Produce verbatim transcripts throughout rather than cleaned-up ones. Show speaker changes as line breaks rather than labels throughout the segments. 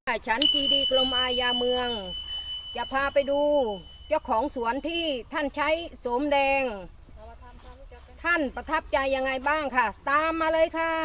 ฉันจีดีกรมอาญาเมืองจะพาไปดูเจ้าของสวนที่ท่านใช้โสมแดงท่านประทับใจยังไงบ้างค่ะตามมาเลยค่ะ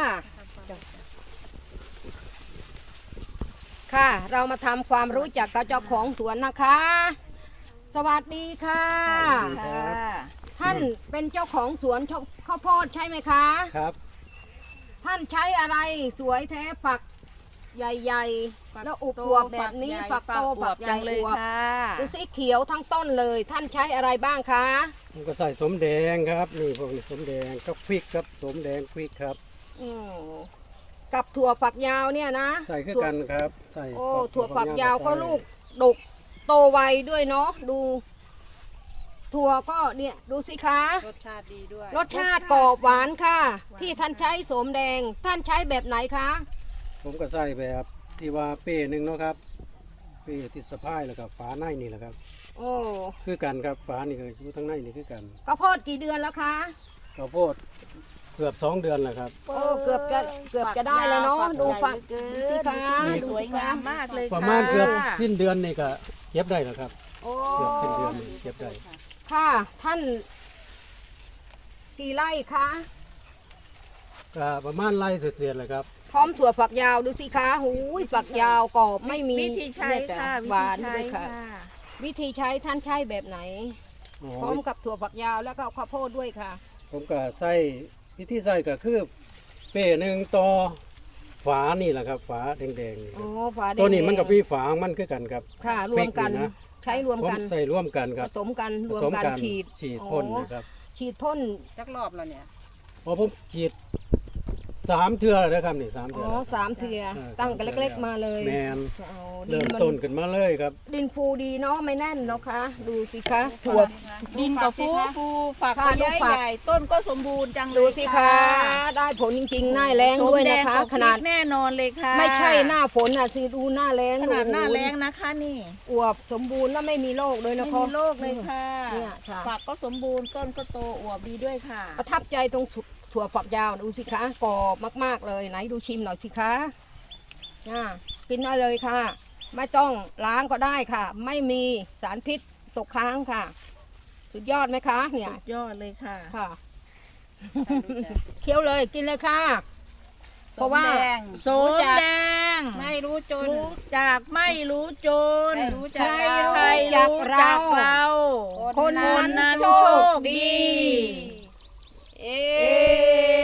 ค่ะเรามาทำความรู้จักกับเจ้าของสวนนะคะ สวัสดีค่ะท่านเป็นเจ้าของสวนข้าวโพดใช่ไหมคะ
ครับ
ท่านใช้อะไรสวยแท้ฝักใหญ่ๆแล้วอุบอวบแบบนี้ฝักโตฝักใหญ่อวบดูสีเขียวทั้งต้นเลยท่านใช้อะไรบ้างคะ
ผมก็ใส่สมแดงครับนี่พวกนี้สมแดงก็พริกครับสมแดงพริกครับ
อืมกับถั่วฝักยาวเนี่ยนะ
ใส่ขึ้นกันครับใส่
โอ้ถั่วฝักยาวก็ลูกดกโตไวด้วยเนาะดูถั่วก็เนี่ยดูสิคะ
รสชาติดีด้วย
รสชาติกรอบหวานค่ะที่ท่านใช้โสมแดงท่านใช้แบบไหนคะ
ผมก็ใส่แบบที่ว่าเป้หนึ่งเนาะครับเป้ติดสะพายแล้วก็ฝาในนี่แหละครับ
โอ้
คือกันครับฝานี่คืออยู่ทั้งในนี่คือกัน
ข้าวโพดกี่เดือนแล้วคะ
ข้าวโพดเกือบสองเดือนแล้วครับ
โอ้เกือบจะเกือบจะได้แล้วเนาะดูฝักสิคะ
สวยงามมากเลย
ประมาณเกือบสิ้นเดือนนี่ก็เก็บได้แล้วครับ
โอ้
เกือบสิ้นเดือนนี่เก็บได้
ค่ะท่านกี่ไร่คะ
ก็ประมาณไร่เศษๆเลยครับ
พร้อมถั่วฝักยาวดูสิคะหูยฝักยาวกรอบไม่มี
วิธีใช้ค่ะ
หวานด้วยค่ะวิธีใช้ท่านใช้แบบไหนพร้อมกับถั่วฝักยาวแล้วก็ข้าวโพดด้วยค่ะ
ผมก็ใส่วิธีใส่ก็คือเป้หนึ่งต่อฝานี่แหละครับฝาแดงๆนี่
อ๋อฝาแดง
ตัวนี้มันกับพี่ฝามันคือกันครับ
ค่ะรวมกันใช้รวมกัน
ใส่ร่วมกันครับ
ผสมกันรวมกันฉีด
ฉีดพ่นนะครับ
ฉีดพ่น
จักรอบแล้วเนี่ย
พอผมฉีดสามเทื่อเลยครับนี่สามเทื่
ออ๋อสามเทื่อตั้งกันเล็กๆมาเลย
แมนเริ่มต้นขึ้นมาเลยครับ
ดินฟูดีเนาะไม่แน่นเนาะคะดูสิคะถั่ว
ดินก็ฟูฟูฝักก็ใหญ่ใหญ่ต้นก็สมบูรณ์จังเลย
ดูสิคะได้ผลจริงๆหน้าแรงด้วยนะคะขนาด
แน่นอนเลยค่ะ
ไม่ใช่หน้าฝนอ่ะสิดูหน้าแรง
ขนาดหน้าแรงนะคะนี่
อวบสมบูรณ์แล้วไม่มีโรคเลยนะ
คะไม่มีโรคเลยค่ะ
เนี่ย
ฝักก็สมบูรณ์ต้นก็โตอวบดีด้วยค่ะ
ประทับใจตรงถั่วฝักยาวดูสิคะกรอบมากๆเลยไหนดูชิมหน่อยสิคะอ่ากินได้เลยค่ะไม่ต้องล้างก็ได้ค่ะไม่มีสารพิษตกค้างค่ะสุดยอดไหมคะเนี่ย
สุดยอดเลยค่ะ
ค่ะเคี้ยวเลยกินเลยค่ะเพราะว่า
โสมแดงไม่รู้จนรู้จากไม่รู้จน
รู้จักใครรู้จักเราคนนั้นโชคดีเอ